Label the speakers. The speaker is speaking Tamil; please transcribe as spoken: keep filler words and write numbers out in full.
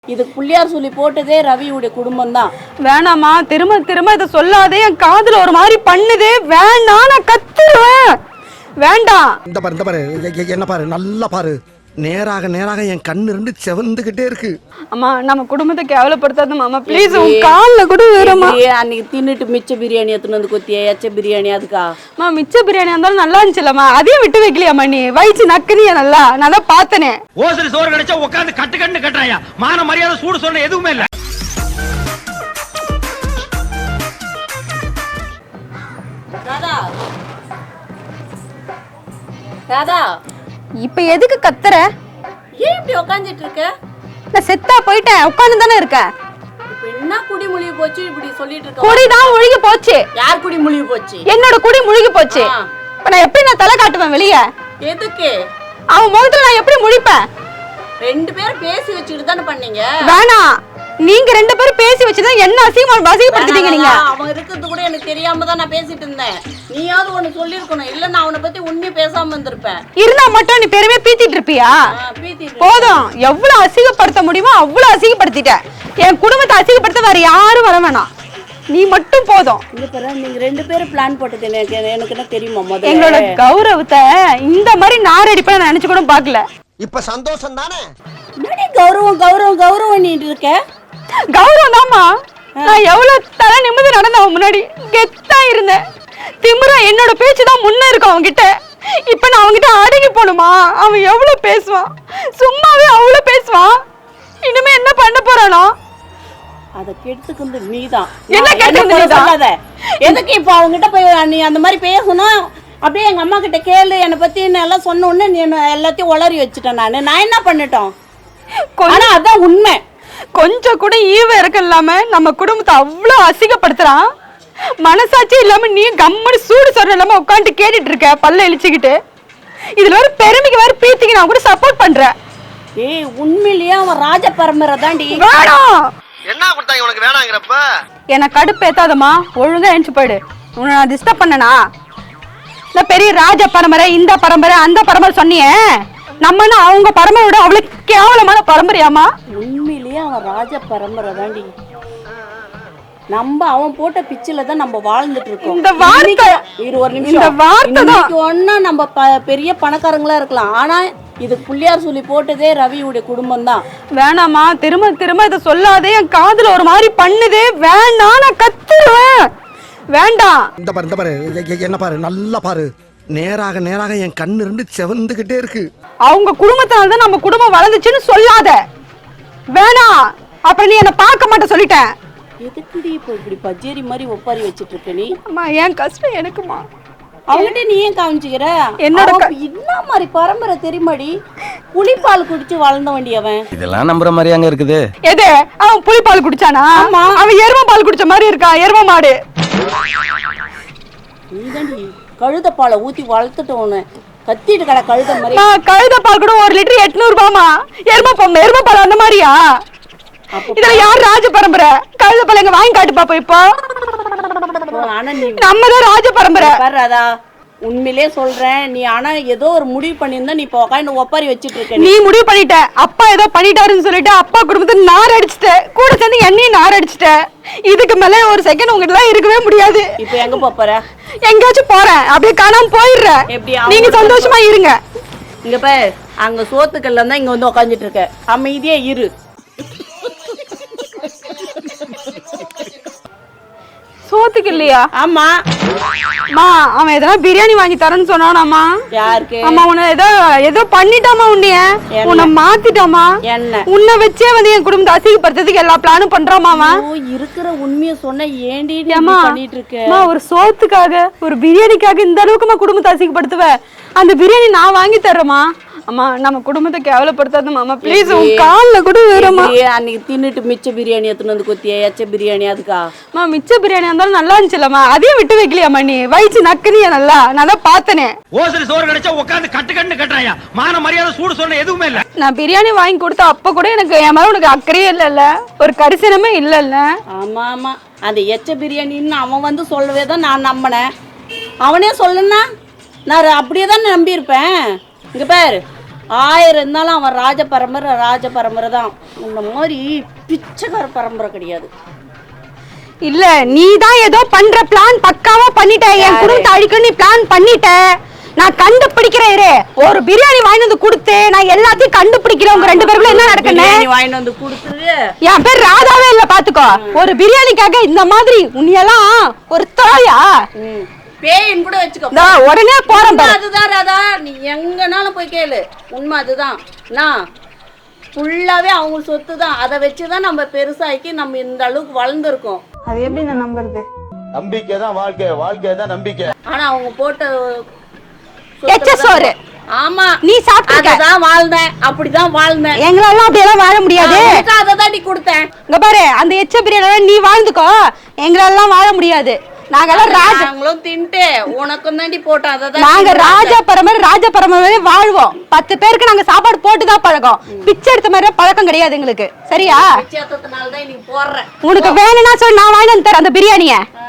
Speaker 1: இதுக்கு புள்ளியார் சொல்லி போட்டதே ரவியுடைய குடும்பம் தான்.
Speaker 2: வேணாமா, திரும்ப திரும்ப இதை சொல்லாதே, என் காதுல ஒரு மாதிரி பண்ணுதே, வேணாம், நான் கத்துருவேன், வேண்டாம்.
Speaker 3: இந்த பாரு இந்த பாரு என்ன பாரு, நல்லா பாரு, நேராக நேராக என் கண்ணு ரெண்டு செவந்துகிட்டே இருக்கு.
Speaker 2: அம்மா, நம்ம குடும்பத்தை கேவலப்படுத்தாத மாமா, ப்ளீஸ், உன் கால்ல கூட வேறமா.
Speaker 1: அன்னைக்கு தின்னுட்டு மிச்ச பிரியாணி எடுத்துன்னு வந்து கொத்திய எச்ச பிரியாணி, அதுக்கா
Speaker 2: மா மிச்ச பிரியாணி இருந்தாலும் நல்லா இருந்துச்சுல்லம்மா, அதையும் விட்டு வைக்கலையாம்மா நீ, வயிற்று நக்குனியா நல்லா, நான் தான் பார்த்தனே.
Speaker 4: ஓசரி சோறு கிடைச்சா உட்காந்து கட்டு கட்டு கட்டுறாயா, மான மரியாதை சூடு சொன்ன எதுவுமே இல்ல.
Speaker 1: ராதா ராதா,
Speaker 2: இப்ப எதுக்கு கத்துற?
Speaker 1: ஏன் இப்படி உட்காந்துட்டு இருக்க?
Speaker 2: நான் செத்தா போயிட்டேன், உட்கார்ந்து தானே இருக்கேன்.
Speaker 1: இப்ப என்ன குடி முழுகி போச்சு இப்படி சொல்லிட்டு இருக்க?
Speaker 2: குடிதான் முழுகி போச்சு.
Speaker 1: யார் குடி முழுகி போச்சு?
Speaker 2: என்னோட குடி முழுகி போச்சு. இப்ப நான் எப்படி நான் தலை காட்டுவேன் வெளிய?
Speaker 1: எதுக்கு?
Speaker 2: அவன் முகத்துல நான் எப்படி முழிப்பேன்?
Speaker 1: ரெண்டு பேரும் பேசி வச்சுட்டு தானே பண்ணீங்க.
Speaker 2: வேணாம், நீங்க ரெண்டு பேரும் பேசி வச்சுதான் என்ன அசிங்கமா அசிங்கப்படுத்திட்டீங்க நீங்க.
Speaker 1: அவன் இருக்கிறது கூட எனக்கு தெரியாம தான் நான் பேசிட்டு இருந்தேன். நீயாவது ஒண்ணு சொல்லிருக்கணும், இல்ல நான் அவனை பத்தி உண்மையை பேசாம வந்திருப்பேன்.
Speaker 2: இருந்தா மட்டும் நீ பெருமையா பீத்திட்டு இருப்பியா? போதும், எவ்வளவு அசிங்கப்படுத்த முடியுமோ அவ்வளவு அசிங்கப்படுத்திட்டேன். என் குடும்பத்தை அசிங்கப்படுத்த வேற யாரும் வர வேணாம், நீ மட்டும் போதும்.
Speaker 1: நீங்க ரெண்டு பேரும் பிளான் போட்டது எனக்கு எனக்கு என்ன தெரியுமா? முதல்ல
Speaker 2: எங்களோட கௌரவத்தை இந்த மாதிரி நாரடிப்பா நான் நினைச்சு கூட பாக்கல.
Speaker 3: இப்ப சந்தோஷம் தானே?
Speaker 1: கௌரவம் கௌரவம் கௌரவம் நீ இருக்க.
Speaker 2: கௌரவம் தாமா, நான் எவ்வளவு தலை நிமிந்து நடந்தவன் முன்னாடி கெத்தா இருந்தேன். திமுறா என்னோட பேச்சு தான் முன்ன இருக்கும் அவன் கிட்ட. இப்ப நான் அவன்கிட்ட அடங்கி போணுமா? அவன் எவ்வளவு பேசுவான், சும்மாவே அவ்வளவு பேசுவான். இனிமே என்ன பண்ண போறானோ?
Speaker 1: அத கெடுத்துக்குந்து நீதான்.
Speaker 2: என்ன கெடுத்துக்குது?
Speaker 1: எதுக்கு இப்ப அவங்கிட்ட போய் நீ அந்த மாதிரி பேசணும்? அப்படியே எங்க அம்மா கிட்ட கேளு, என்னை பத்தி எல்லாம் சொன்ன உடனே நீ எல்லாத்தையும் உளறி வச்சுட்டேன். நானு நான் என்ன பண்ணிட்டோம்? ஆனா அதான் உண்மை.
Speaker 2: கொஞ்சம் கூட ஈவ இறக்க இல்லாம நம்ம குடும்பத்தை அவ்வளவு அசிங்கப்படுத்துறான். மனசாட்சி இல்லாம நீ கம்மனு சூடு சொல்ற இல்லாம உட்காந்து கேட்டுட்டு இருக்க பல்ல இழிச்சுக்கிட்டு. இதுல வேற பெருமைக்கு வேற பீத்திக்கு நான் கூட சப்போர்ட் பண்றேன்.
Speaker 1: ஏய், உண்மையிலேயே அவன் ராஜ பரம்பரை தாண்டி.
Speaker 2: வேணாம்,
Speaker 3: என்ன கொடுத்தாங்க உனக்கு வேணாங்கிறப்ப?
Speaker 2: எனக்கு கடுப்பு ஏத்தாதமா, ஒழுங்கா எழுந்து போயிடு. உன்னை நான் டிஸ்டர்ப் பண்ணனா? நான் பெரிய ராஜ பரம்பரை, இந்த பரம்பரை அந்த பரம்பரை சொன்னியே, நம்மன்னா அவங்க பரம்பரையோட அவ்வளவு கேவலமான பரம்பரையாமா?
Speaker 1: உண்மையிலேயே அவன் ராஜ பரம்பரை தாண்டி. நம்ம அவன் போட்ட பிச்சில தான் நம்ம வாழ்ந்துட்டு இருக்கோம்.
Speaker 2: இந்த வார்த்தை,
Speaker 1: இரு ஒரு நிமிஷம்,
Speaker 2: இந்த வார்த்தை தான்
Speaker 1: ஒன்னா நம்ம பெரிய பணக்காரங்களா இருக்கலாம், ஆனா இதுக்கு புள்ளியார் சொல்லி போட்டதே ரவியுடைய குடும்பம் தான்.
Speaker 2: வேணாமா, திரும்ப திரும்ப இதை சொல்லாதே, என் காதுல ஒரு மாதிரி பண்ணுதே, வேணாம், நான் கத்துருவேன், வேண்டாம்.
Speaker 3: இந்த பாரு இந்த பாரு என்ன பாரு, நல்லா பாரு, நேராக நேராக என் கண்ணு ரெண்டு செவந்துகிட்டே இருக்கு.
Speaker 2: அவங்க குடும்பத்தால தான் நம்ம குடும்பம் வளர்ந்துச்சுன்னு சொல்லாத, வேணாம். அப்புறம் நீ என்ன பார்க்க மாட்டேன் சொல்லிட்டேன்.
Speaker 1: எதுக்குடி இப்போ இப்படி பஜ்ஜேரி மாதிரி ஒப்பாரி வச்சிட்டு இருக்க நீ?
Speaker 2: அம்மா, என் கஷ்டம் எனக்குமா,
Speaker 1: அவங்ககிட்ட நீ ஏன் காமிச்சுக்கிற?
Speaker 2: என்னோட
Speaker 1: என்ன மாதிரி பரம்பரை தெரியுமாடி? புளிப்பால் குடிச்சு வளர்ந்த வண்டியவன்.
Speaker 4: இதெல்லாம் நம்புற மாதிரி அங்க இருக்குது.
Speaker 2: எது, அவன் புளிப்பால் குடிச்சானா? அவன் எரும பால் குடிச்ச மாதிரி இருக்கா, எரும மாடு.
Speaker 1: நீதாண்டி கழுத பாலை ஊத்தி வளர்த்துட்டோன்னு கத்திட்டு கடை கழுத மாதிரி.
Speaker 2: கழுத பால் கூட ஒரு லிட்டர் எட்நூறு ரூபாமா. எரும பால் எரும பால் அந்த மாதிரியா? இதுல யார் ராஜ பரம்பரை? கழுத பால் எங்க வாங்கி காட்டு பாப்போம். இப்போ நம்மதான் ராஜ பரம்பரை.
Speaker 1: ராதா, உண்மையிலே சொல்றேன், நீ ஆனா ஏதோ ஒரு முடிவு பண்ணியிருந்தா நீ இப்போ உட்காந்து ஒப்பாரி வச்சுட்டு இருக்க.
Speaker 2: நீ முடிவு பண்ணிட்ட, அப்பா ஏதோ பண்ணிட்டாருன்னு சொல்லிட்டு அப்பா குடும்பத்தை நார் அடிச்சுட்ட, கூட சேர்ந்து என்னையும் நார் அடிச்சுட்ட. இதுக்கு மேல ஒரு செகண்ட் உங்ககிட்ட எல்லாம் இருக்கவே முடியாது.
Speaker 1: இப்ப எங்க போற?
Speaker 2: எங்கேயாச்சும் போறேன், அப்படியே காணாம போயிடுறேன். நீங்க சந்தோஷமா இருங்க.
Speaker 1: இங்க பாரு, அங்க சோத்துக்கல்ல தான் இங்க வந்து உட்காந்துட்டு இருக்க, அமைதியா இரு.
Speaker 2: சோத்துக்கு இல்லையா?
Speaker 1: ஆமா
Speaker 2: மா, அவன் எதனா பிரியாணி வாங்கி தரேன்னு சொன்னானாமா.
Speaker 1: யாருக்கு?
Speaker 2: அம்மா, உன்னை ஏதோ ஏதோ பண்ணிட்டாமா, உன்னைய உன்னை மாத்திட்டாமா.
Speaker 1: என்ன
Speaker 2: உன்னை வச்சே வந்து என் குடும்பத்தை அசிங்கப்படுத்துறதுக்கு எல்லா பிளானும் பண்றாமா.
Speaker 1: இருக்கிற உண்மையை சொன்ன ஏண்டி பண்ணிட்டு இருக்க?
Speaker 2: ஒரு சோத்துக்காக, ஒரு பிரியாணிக்காக இந்த அளவுக்குமா குடும்பத்தை அசிங்கப்படுத்துவ? அந்த பிரியாணி நான் வாங்கி தர்றேமா. அம்மா, நம்ம குடும்பத்தை கேவலப்படுத்தாத மாமா, ப்ளீஸ், உன் கால்ல கூட வேறமா.
Speaker 1: அன்னைக்கு தின்னுட்டு மிச்ச பிரியாணி எடுத்துன்னு வந்து கொத்திய எச்ச பிரியாணி, அதுக்கா?
Speaker 2: மா, மிச்ச பிரியாணி இருந்தாலும் நல்லா இருந்துச்சுல்லம்மா, அதையும் விட்டு வைக்கலையாமா நீ? வயிற்று நக்குனியா நல்லா, நான் தான் பார்த்தனே.
Speaker 4: ஓசரி சோறு கிடைச்சா உட்காந்து கட்டு கட்டு கட்டுறாயா, மான மரியாதை சூடு சொன்ன எதுவுமே இல்ல.
Speaker 2: நான் பிரியாணி வாங்கி கொடுத்த அப்ப கூட எனக்கு என் மேல உனக்கு அக்கறையே இல்லல்ல, ஒரு கரிசனமே இல்லல்ல.
Speaker 1: ஆமா ஆமா, அந்த எச்ச பிரியாணின்னு அவன் வந்து சொல்லவே தான் நான் நம்பினேன். அவனே சொல்லுன்னா நான் அப்படியே தான் நம்பியிருப்பேன். இங்க பாரு, ஆயிரம் இருந்தாலும் அவன் ராஜ பரம்பரை ராஜ பரம்பரை தான். இந்த மாதிரி பிச்சைக்கார பரம்பரை கிடையாது.
Speaker 2: இல்ல நீ தான் ஏதோ பண்ற பிளான் பக்காவா பண்ணிட்ட. என் குடும்பத்தை அழிக்க நீ பிளான் பண்ணிட்ட. நான் கண்டுபிடிக்கிறேன். ஒரு பிரியாணி வாங்கி வந்து கொடுத்து நான் எல்லாத்தையும் கண்டுபிடிக்கிறேன். உங்க ரெண்டு பேருக்குள்ள என்ன நடக்குன்னு
Speaker 1: வாங்கி வந்து கொடுத்து
Speaker 2: என் பேர் ராதாவே இல்ல பாத்துக்கோ. ஒரு பிரியாணிக்காக இந்த மாதிரி உன்னையெல்லாம் ஒரு தாயா
Speaker 1: பேயின் கூட வச்சுக்கோ.
Speaker 2: உடனே போறேன்.
Speaker 1: அதுதான் ராதா, நீ எங்கனாலும் போய் கேளு. உண்மை அதுதான். நான் ஃபுல்லாவே அவங்க சொத்து தான். அதை வச்சுதான் நம்ம பெருசாக்கி நம்ம இந்த அளவுக்கு வளர்ந்துருக்கோம்.
Speaker 2: அது எப்படி நான் நம்புறது?
Speaker 5: நம்பிக்கை தான் வாழ்க்கை, வாழ்க்கை தான் நம்பிக்கை.
Speaker 1: ஆனா அவங்க போட்ட
Speaker 2: சோறு
Speaker 1: ஆமா
Speaker 2: நீ சாப்பிட்டதான்
Speaker 1: வாழ்ந்தேன். அப்படிதான் வாழ்ந்தேன்.
Speaker 2: எங்களால அப்படியெல்லாம் வாழ முடியாது.
Speaker 1: அதை தான் நீ கொடுத்தேன்.
Speaker 2: இங்க பாரு, அந்த எச்ச பிரியாணி நீ வாழ்ந்துக்கோ, எங்களால வாழ முடியாது. நாங்கெல்லாம் ராஜ
Speaker 1: நாங்களும் தின்ட்டு உனக்கும் தாண்டி போட்டோம். அதான்
Speaker 2: நாங்க ராஜா பரம்பரை ராஜா பரம்பரை வாழ்வோம். பத்து பேருக்கு நாங்க சாப்பாடு போட்டுதான் பழக்கம். பிச்சை எடுத்த மாதிரி பழக்கம் கிடையாது எங்களுக்கு. சரியா?
Speaker 1: பிச்சை எடுத்ததுனால தான் நீ போடுற.
Speaker 2: உனக்கு வேணும்னா சொல்லி நான் வாங்கி வந்து தரேன் அந்த பிரியாணிய.